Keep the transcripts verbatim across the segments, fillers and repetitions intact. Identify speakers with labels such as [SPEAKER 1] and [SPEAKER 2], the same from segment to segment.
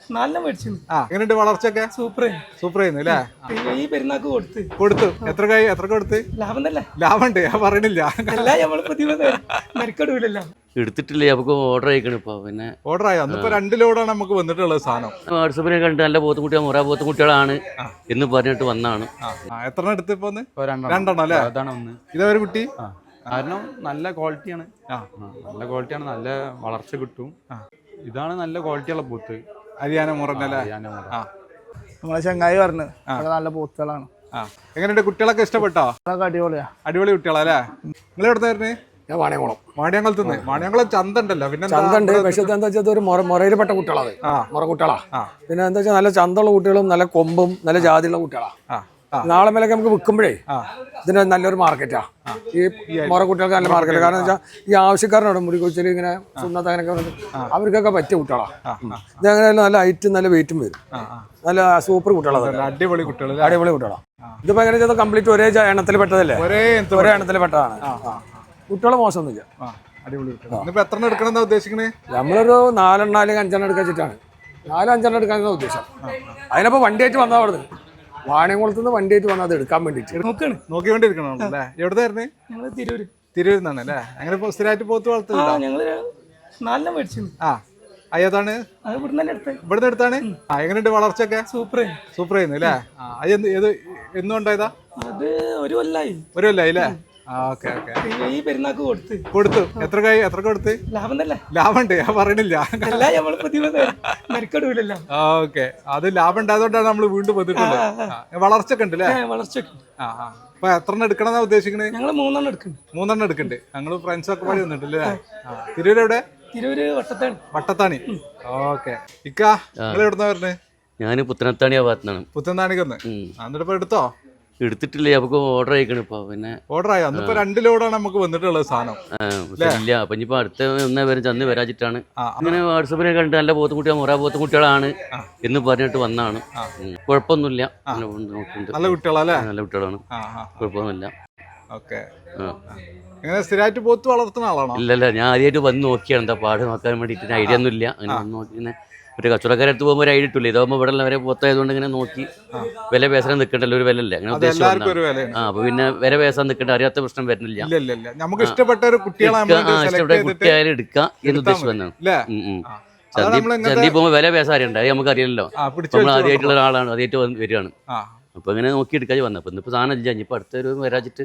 [SPEAKER 1] നാലെണ്ണം മേടിച്ചു.
[SPEAKER 2] ആ എങ്ങനെയുണ്ട് വളർച്ചയൊക്കെ?
[SPEAKER 1] സൂപ്പർ
[SPEAKER 2] സൂപ്പർ ചെയ്യുന്നു അല്ലേ?
[SPEAKER 1] ഈ പെരുന്നാക്ക് കൊടുത്ത്
[SPEAKER 2] കൊടുത്തു. എത്ര കൈ എത്ര കൊടുത്ത്?
[SPEAKER 1] ലാഭം തന്നെ.
[SPEAKER 2] ലാഭമുണ്ട്, ഞാൻ പറയണില്ല.
[SPEAKER 1] അല്ല നമ്മള് പുതിയ മെനക്കെടൂലല്ലോ.
[SPEAKER 3] എടുത്തിട്ടില്ലേ, നമുക്ക് ഓർഡർ അയക്കണം ഇപ്പൊ. പിന്നെ
[SPEAKER 2] ഓർഡർ ആയോ? അന്നിപ്പോ രണ്ട് ലോഡാണ് നമുക്ക് വന്നിട്ടുള്ളത് സാധനം.
[SPEAKER 3] വാട്സപ്പിനെ കണ്ട് നല്ല പോത്തുകുട്ടികൾ മുറ പോത്തുകുട്ടികളാണ് എന്ന് പറഞ്ഞിട്ട് വന്നാണ്.
[SPEAKER 2] എത്ര എടുത്ത് ഇപ്പൊ? രണ്ടെണ്ണം അല്ലേ? ഇതൊരു കുട്ടി
[SPEAKER 4] കാരണം നല്ല ക്വാളിറ്റിയാണ്, നല്ല ക്വാളിറ്റിയാണ്, നല്ല വളർച്ച കിട്ടും. ഇതാണ് നല്ല ക്വാളിറ്റിയുള്ള പൂത്ത്.
[SPEAKER 2] ഹരിയാന മുറന്നല്ലേ?
[SPEAKER 5] നമ്മളെ ചങ്ങായി പറഞ്ഞു നല്ല പൂത്തുകളാണ്.
[SPEAKER 2] എങ്ങനെയുണ്ട്? കുട്ടികളൊക്കെ ഇഷ്ടപ്പെട്ടോ?
[SPEAKER 5] അടിപൊളിയാ,
[SPEAKER 2] അടിപൊളി കുട്ടികളല്ലേ? നിങ്ങൾ എവിടുന്നായിരുന്നു?
[SPEAKER 6] വാണിയംകുളം.
[SPEAKER 2] വാണിയംകുളത്ത് നിന്ന്. വാണിയംകുളം ചന്ത ഉണ്ടല്ലോ. പിന്നെ
[SPEAKER 6] ചന്തണ്ട്, പക്ഷെ എന്താ വെച്ചാൽ ഒരു മുറയിൽപ്പെട്ട കുട്ടികളാണ്, മുറ കുട്ടികളാ. പിന്നെ എന്താ വെച്ചാൽ നല്ല ചന്തമുള്ള കുട്ടികളും നല്ല കൊമ്പും നല്ല ജാതിയുള്ള കുട്ടികളാ. നാളെ മേലൊക്കെ നമുക്ക് വിൽക്കുമ്പോഴേ ഇതിന് നല്ലൊരു മാർക്കറ്റാ. ഈ മുറ കുട്ടികൾക്ക് നല്ല മാർക്കറ്റാ. കാരണം വെച്ചാൽ ഈ ആവശ്യക്കാരനോട് മുടി കൊച്ചിൽ ഇങ്ങനെ സുന്നത്ത് അങ്ങനെയൊക്കെ അവർക്കൊക്കെ പറ്റിയ കുട്ടികളാ. ഇതങ്ങനെ നല്ല ഹൈറ്റും നല്ല വെയിറ്റും വരും. നല്ല സൂപ്പർ കുട്ടികളാണ്,
[SPEAKER 2] അടിപൊളി കുട്ടികൾ,
[SPEAKER 6] അടിപൊളി കുട്ടികളാ. ഇതിപ്പോ എങ്ങനെ ചെയ്താൽ കംപ്ലീറ്റ് ഒരേ എണ്ണത്തിൽ പെട്ടതല്ലേ? ഒരേ ഒരേ എണ്ണത്തിൽ പെട്ടതാണ്. കുട്ടികളെ മോശമൊന്നുമില്ല,
[SPEAKER 2] അടിപൊളി. എത്ര എടുക്കണം ഉദ്ദേശിക്കണേ?
[SPEAKER 6] നമ്മളൊരു നാലെണ്ണം അല്ലെങ്കിൽ അഞ്ചെണ്ണം എടുക്കാൻ വെച്ചിട്ടാണ്. നാലും അഞ്ചെണ്ണം എടുക്കാനാണ് ഉദ്ദേശം. അതിനപ്പോ വണ്ടിയായിട്ട് വന്നാൽ അവിടെ വാണിയംകുളത്ത് നിന്ന് വണ്ടിയായിട്ട് വന്നാൽ അത് എടുക്കാൻ വേണ്ടിട്ട്
[SPEAKER 2] നോക്കാണ് നോക്കിക്കൊണ്ടിരിക്കണം. എവിടുന്നായിരുന്നേ?
[SPEAKER 1] ഞങ്ങള് തിരൂര്.
[SPEAKER 2] തിരൂരിൽ നിന്നാണ് അല്ലേ? അങ്ങനെ സ്ഥിരമായിട്ട് പോത്ത് വളർത്തുന്നുണ്ടോ?
[SPEAKER 1] ഞങ്ങള് നാലെണ്ണം മേടിച്ചു.
[SPEAKER 2] ആ അയ്യതാണ് ഇവിടുന്ന് എടുത്താണ്. ആ എങ്ങനെയുണ്ട് വളർച്ചയൊക്കെ?
[SPEAKER 1] സൂപ്പർ
[SPEAKER 2] സൂപ്പർ ചെയ്യുന്നു അല്ലേ? അത് ഏത് എന്നും ഉണ്ടായതാ?
[SPEAKER 1] അത് ഒരു കൊല്ലായി.
[SPEAKER 2] ഒരു കൊല്ലായി അല്ലേ? Okay okay.
[SPEAKER 1] ഈ പെരുന്നാക്ക് കൊടുത്ത്
[SPEAKER 2] കൊടുത്തു. എത്ര കൈ എത്ര കൊടുത്ത്?
[SPEAKER 1] ലാഭം തന്നെ.
[SPEAKER 2] ലാഭമുണ്ട്, ഞാൻ പറയണില്ല.
[SPEAKER 1] അല്ല നമ്മള് പുതിയ മെനക്കെടൂലല്ലോ.
[SPEAKER 2] ഓക്കെ, അത് ലാഭം ഉണ്ടായതുകൊണ്ടാണ് നമ്മൾ വീണ്ടും വന്നിട്ടുള്ളത്. വളർച്ചയൊക്കെ ഉണ്ട് അല്ലേ?
[SPEAKER 1] വളർച്ച.
[SPEAKER 2] ആ ആ അപ്പൊ എത്ര എണ്ണം എടുക്കണമെന്നാ ഉദ്ദേശിക്കണേ?
[SPEAKER 1] ഞങ്ങള് മൂന്നെണ്ണം എടുക്കുന്നുണ്ട്.
[SPEAKER 2] മൂന്നെണ്ണം എടുക്കുന്നുണ്ട്. ഞങ്ങള് ഫ്രണ്ട്സ് ഒക്കെ പാടി വന്നിട്ടല്ലേ? തിരൂര് എവിടെ?
[SPEAKER 1] തിരൂര് വട്ടത്താണി.
[SPEAKER 2] വട്ടത്താണി. ഓക്കെ. ഇക്ക നിങ്ങൾ എവിടുന്നാ വരുന്നത്?
[SPEAKER 3] ഞാൻ പുത്തനത്താണി ഭാഗത്താണ്.
[SPEAKER 2] പുത്തനത്താണിക്കൊന്ന്. എന്നിട്ട് ഇപ്പൊ എടുത്തോ?
[SPEAKER 3] എടുത്തിട്ടില്ലേ, നമുക്ക് ഓർഡർ അയക്കണം ഇപ്പൊ. പിന്നെ
[SPEAKER 2] ഓർഡർ ആയോ? അന്നിപ്പോ രണ്ട് ലോഡാണ് നമുക്ക് വന്നിട്ടുള്ളത് സാധനം.
[SPEAKER 3] ഇല്ല, അപ്പൊ ഇനിയിപ്പോ അടുത്ത ഒന്നേ വരെ ചന്ന് വരാച്ചിട്ടാണ്. ഇങ്ങനെ വാട്സപ്പിനെ കണ്ട് നല്ല പോത്തുകുട്ടികൾ മുറ പോത്തുകുട്ടികളാണ് എന്ന് പറഞ്ഞിട്ട് വന്നാണ്. കുഴപ്പമൊന്നുമില്ല,
[SPEAKER 2] നല്ല കുട്ടികളല്ലേ?
[SPEAKER 3] നല്ല കുട്ടികളാണ്, കുഴപ്പമൊന്നുമില്ല.
[SPEAKER 2] ഓക്കെ. എങ്ങനെ സ്ഥിരമായിട്ട് പോത്ത് വളർത്തുന്ന ആളാണോ?
[SPEAKER 3] ഇല്ലല്ല, ഞാൻ ആദ്യമായിട്ട് വന്ന് നോക്കിയാണ് എന്താ പാട് നോക്കാൻ വേണ്ടിട്ട്. ഐഡിയ ഒന്നും ഇല്ല. അങ്ങനെ വന്ന് നോക്കി ഇങ്ങനെ ഒരു കച്ചവടക്കാരെ അടുത്ത് പോകുമ്പോൾ ഒരു ഐഡിയ ഇട്ടില്ല. ഇതാകുമ്പോൾ ഇവിടെ വരെ പോത്തായതുകൊണ്ട് ഇങ്ങനെ നോക്കി വില പേസാൻ നിൽക്കണ്ടല്ലോ, ഒരു വില അല്ലേ അങ്ങനെ ഉദ്ദേശിച്ചു. ആ അപ്പൊ പിന്നെ വില പേസാൻ നിൽക്കേണ്ട, അറിയാത്ത പ്രശ്നം വരുന്നില്ല.
[SPEAKER 2] നമുക്ക് ഇഷ്ടപ്പെട്ട ഒരു
[SPEAKER 3] ഇഷ്ടപ്പെട്ട കുട്ടിയായാലും എടുക്കാം എന്ന് ഉദ്ദേശിച്ചു വന്നാണ്. ചന്തി പോകുമ്പോൾ വില പേസാറുണ്ട്, അത് നമുക്ക് അറിയില്ലല്ലോ. നമ്മൾ ആദ്യമായിട്ടുള്ള ഒരാളാണ്, ആദ്യമായിട്ട് വരികയാണ്. അപ്പൊ ഇങ്ങനെ നോക്കി എടുക്കാതെ വന്നപ്പോ ഇന്നിപ്പോ സാധനം ഇല്ല, ഇനിയിപ്പോ അടുത്തൊരു വരാച്ചിട്ട്.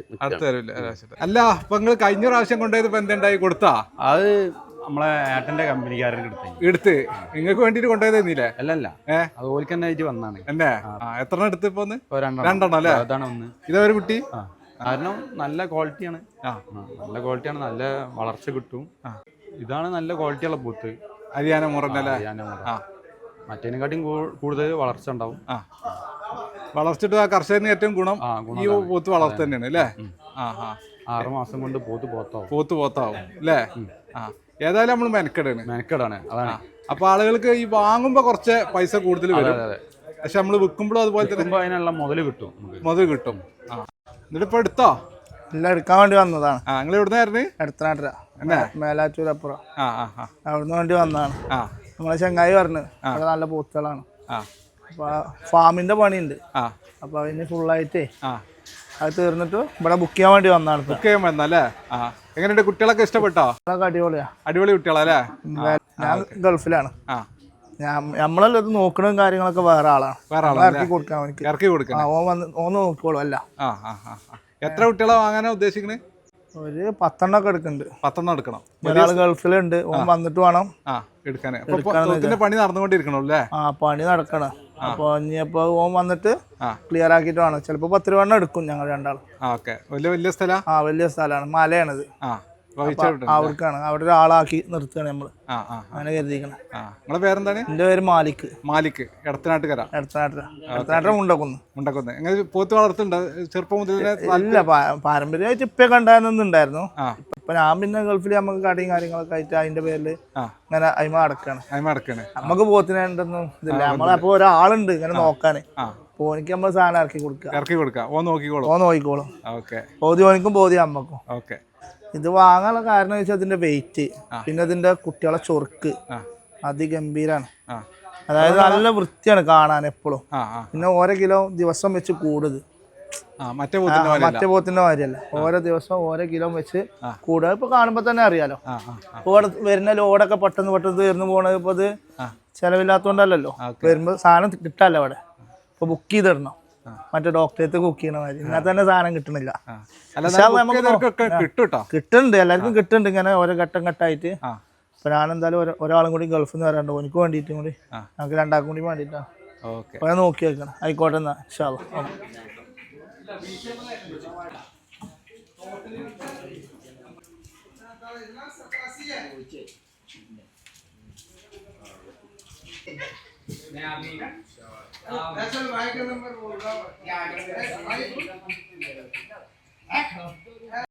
[SPEAKER 2] അല്ല അപ്പൊ നിങ്ങൾ കഴിഞ്ഞ പ്രാവശ്യം കൊണ്ടുപോയത് എന്തുണ്ടായി കൊടുത്താ?
[SPEAKER 4] അത് നമ്മളെ ഏട്ടന്റെ കമ്പനിക്കാരൻ എടുത്ത്
[SPEAKER 2] എടുത്ത് നിങ്ങൾക്ക് വേണ്ടിട്ട് കൊണ്ടുപോയതല്ലേ?
[SPEAKER 4] അല്ലല്ല, അതുപോലെ തന്നെ ആയിട്ട് വന്നാണ്.
[SPEAKER 2] എന്നെ എത്ര എടുത്ത് ഇപ്പൊ?
[SPEAKER 4] രണ്ടെണ്ണം അല്ലേ? അതാണ് ഒന്ന്.
[SPEAKER 2] ഇതൊരു കുട്ടി.
[SPEAKER 4] കാരണം നല്ല ക്വാളിറ്റിയാണ്, നല്ല ക്വാളിറ്റിയാണ്, നല്ല വളർച്ച കിട്ടും. ഇതാണ് നല്ല ക്വാളിറ്റിയുള്ള പൂത്ത്.
[SPEAKER 2] ഹരിയാന മുറന്നല്ലേ?
[SPEAKER 4] മറ്റേനെക്കാട്ടും കൂടുതൽ വളർച്ച ഉണ്ടാവും.
[SPEAKER 2] വളർച്ചിട്ട് ആ കർഷകന് ഏറ്റവും ഗുണം ഈ പോത്ത് വളർച്ച തന്നെയാണ് അല്ലേ?
[SPEAKER 4] ആറ് മാസം കൊണ്ട് പോത്ത് പോത്താവും.
[SPEAKER 2] പോത്ത് പോത്താവും അല്ലേ? ആ ഏതായാലും നമ്മൾ മെനക്കെടാണ്
[SPEAKER 4] മെനക്കെടാണ് അതാണ്.
[SPEAKER 2] അപ്പൊ ആളുകൾക്ക് ഈ വാങ്ങുമ്പോ കുറച്ച് പൈസ കൂടുതൽ വരും, പക്ഷെ നമ്മള് വിൽക്കുമ്പോഴും അതുപോലെ തന്നെ
[SPEAKER 4] അതിനുള്ള മുതൽ കിട്ടും,
[SPEAKER 2] മുതൽ കിട്ടും. ആ എന്നിട്ട് ഇപ്പൊ എടുത്തോ?
[SPEAKER 5] എല്ലാം എടുക്കാൻ വേണ്ടി വന്നതാണ്.
[SPEAKER 2] ആ നിങ്ങൾ എവിടുന്നായിരുന്നു?
[SPEAKER 5] എടുത്തനാട്ട മേലാറ്റൂരപ്പുറം.
[SPEAKER 2] ആ ആ
[SPEAKER 5] അവിടുന്ന് വേണ്ടി വന്നതാണ്.
[SPEAKER 2] ആ
[SPEAKER 5] നമ്മളെ ചങ്ങായി പറഞ്ഞു അവിടെ നല്ല പൂത്തുകളാണ്. അപ്പൊ ഫാമിന്റെ പണിയുണ്ട്, അപ്പൊ അതിന് ഫുള്ളായിട്ടേ അത് തീർന്നിട്ട് ഇവിടെ ബുക്ക് ചെയ്യാൻ വേണ്ടി വന്നതാണ്.
[SPEAKER 2] ബുക്ക് ചെയ്യാൻ വന്നല്ലേ? ആ എങ്ങനെയുണ്ട്? കുട്ടികളൊക്കെ ഇഷ്ടപ്പെട്ടോ?
[SPEAKER 5] അടിപൊളിയാ,
[SPEAKER 2] അടിപൊളി കുട്ടികളല്ലേ?
[SPEAKER 5] ഞാൻ ഗൾഫിലാണ്. നമ്മളല്ല ഇത് നോക്കണതും കാര്യങ്ങളൊക്കെ വേറെ ആളാണ്.
[SPEAKER 2] വേറെ ആളാണ്
[SPEAKER 5] ഇറക്കി കൊടുക്കാൻ വേണ്ടി.
[SPEAKER 2] ഇറക്കി കൊടുക്കാൻ
[SPEAKER 5] ഓൻ വന്ന് ഓന്ന് നോക്കിക്കോളും. അല്ല
[SPEAKER 2] എത്ര കുട്ടികളെ വാങ്ങാനാ ഉദ്ദേശിക്കണേ?
[SPEAKER 5] ഒരു പത്തെണ്ണം ഒക്കെ എടുക്കുന്നുണ്ട്.
[SPEAKER 2] പത്തെണ്ണം എടുക്കണം.
[SPEAKER 5] ഒരാൾ ഗൾഫിലുണ്ട്, ഓൻ വന്നിട്ട് വേണം
[SPEAKER 2] എടുക്കാൻ. പണി നടന്നുകൊണ്ടിരിക്കണല്ലേ?
[SPEAKER 5] ആ പണി നടക്കണം. അപ്പൊ ഇനിയപ്പോ ഓൻ വന്നിട്ട് ക്ലിയർ ആക്കിയിട്ട് വേണം. ചിലപ്പോ പത്ത് രൂപ എടുക്കും ഞങ്ങൾ രണ്ടാളും.
[SPEAKER 2] വലിയ വലിയ സ്ഥലം.
[SPEAKER 5] ആ വലിയ സ്ഥലമാണ്, മലയാണിത്. അവർക്കാണ്, അവിടെ ഒരാളാക്കി നിർത്തുകയാണ് നമ്മള്. അങ്ങനെ കരുതിക്കണം.
[SPEAKER 2] നിങ്ങളെ പേരെന്താണ്?
[SPEAKER 5] എന്റെ പേര് മാലിക്.
[SPEAKER 2] മാലിക് എടത്തനാട്ടുകര.
[SPEAKER 5] എടത്തനാട്ടുകര എടത്തനാട്ടുകര മുണ്ടക്കുന്ന്.
[SPEAKER 2] മുണ്ടക്കുന്ന്. എങ്ങനെ പോത്ത് വളർത്തുന്നുണ്ടോ ചെറുപ്പം മുതൽ?
[SPEAKER 5] ഇല്ല, പാരമ്പര്യമായിട്ട് ഇപ്പൊ കണ്ടായിരുന്നുണ്ടായിരുന്നു. ഇപ്പൊ ഞാൻ പിന്നെ ഗൾഫിൽ നമുക്ക് കടയും കാര്യങ്ങളൊക്കെ ആയിട്ട് അതിന്റെ പേരില് ഇങ്ങനെ അയിമ അടക്കാണ്.
[SPEAKER 2] അയിമ അടക്കാണ്.
[SPEAKER 5] നമുക്ക് പോത്തിനൊന്നും ഇതില്ല. നമ്മളപ്പോ ഒരാളുണ്ട് ഇങ്ങനെ നോക്കാന്. ഓനിക്ക് നമ്മള് സാധനം ഇറക്കി കൊടുക്കുക.
[SPEAKER 2] ഇറക്കി കൊടുക്കാം. ഓ നോക്കിക്കോളും.
[SPEAKER 5] ഓ നോക്കിക്കോളും.
[SPEAKER 2] ഓക്കെ.
[SPEAKER 5] ബോധി ഓനിക്കും ബോധി അമ്മക്കും.
[SPEAKER 2] ഓക്കെ.
[SPEAKER 5] ഇത് വാങ്ങാനുള്ള കാരണം വെച്ചാൽ അതിന്റെ വെയിറ്റ്, പിന്നെ അതിന്റെ കുട്ടികളെ ചൊറുക്ക് അതിഗംഭീരാണ്. അതായത് നല്ല വൃത്തിയാണ് കാണാൻ എപ്പോഴും.
[SPEAKER 2] ആ ആ
[SPEAKER 5] പിന്നെ ഓരോ കിലോ ദിവസം വെച്ച് കൂടുത്.
[SPEAKER 2] ആ മറ്റേ പോത്തിന്റെ പോലെ
[SPEAKER 5] മറ്റേ പോത്തിന്റെ മാതിരിയല്ല, ഓരോ ദിവസം ഓരോ കിലോ വെച്ച് കൂടുക. ഇപ്പൊ കാണുമ്പോ തന്നെ അറിയാലോ. ഇവിടെ വരുന്ന ലോഡൊക്കെ പെട്ടെന്ന് പെട്ടെന്ന് തീർന്നു പോണത് ഇപ്പൊ ഇത് ചെലവില്ലാത്തോണ്ടല്ലോ. വരുമ്പോ സാധനം കിട്ടാല്ലോ അവിടെ. ഇപ്പൊ ബുക്ക് ചെയ്തിടണം, മറ്റേ ഡോക്ടറേറ്റ് ബുക്ക് ചെയ്യണ മാതിരി. ഇന്നത്തെ തന്നെ സാധനം കിട്ടണില്ല. കിട്ടുന്നുണ്ട്, എല്ലാവർക്കും കിട്ടുന്നുണ്ട് ഇങ്ങനെ ഓരോ ഘട്ടം ഘട്ടമായിട്ട്. അപ്പൊ ഞാനെന്തായാലും ഒരാളും കൂടി ഗൾഫിൽ നിന്ന് വരാണ്ടോ, എനിക്ക് വേണ്ടിയിട്ടും കൂടി, ഞങ്ങൾക്ക് രണ്ടാൾക്കും കൂടി വേണ്ടിയിട്ടാണ്. അപ്പൊ ഞാൻ നോക്കി വെക്കണം. ആയിക്കോട്ടെ എന്നാ ഇൻഷാ അല്ലാ.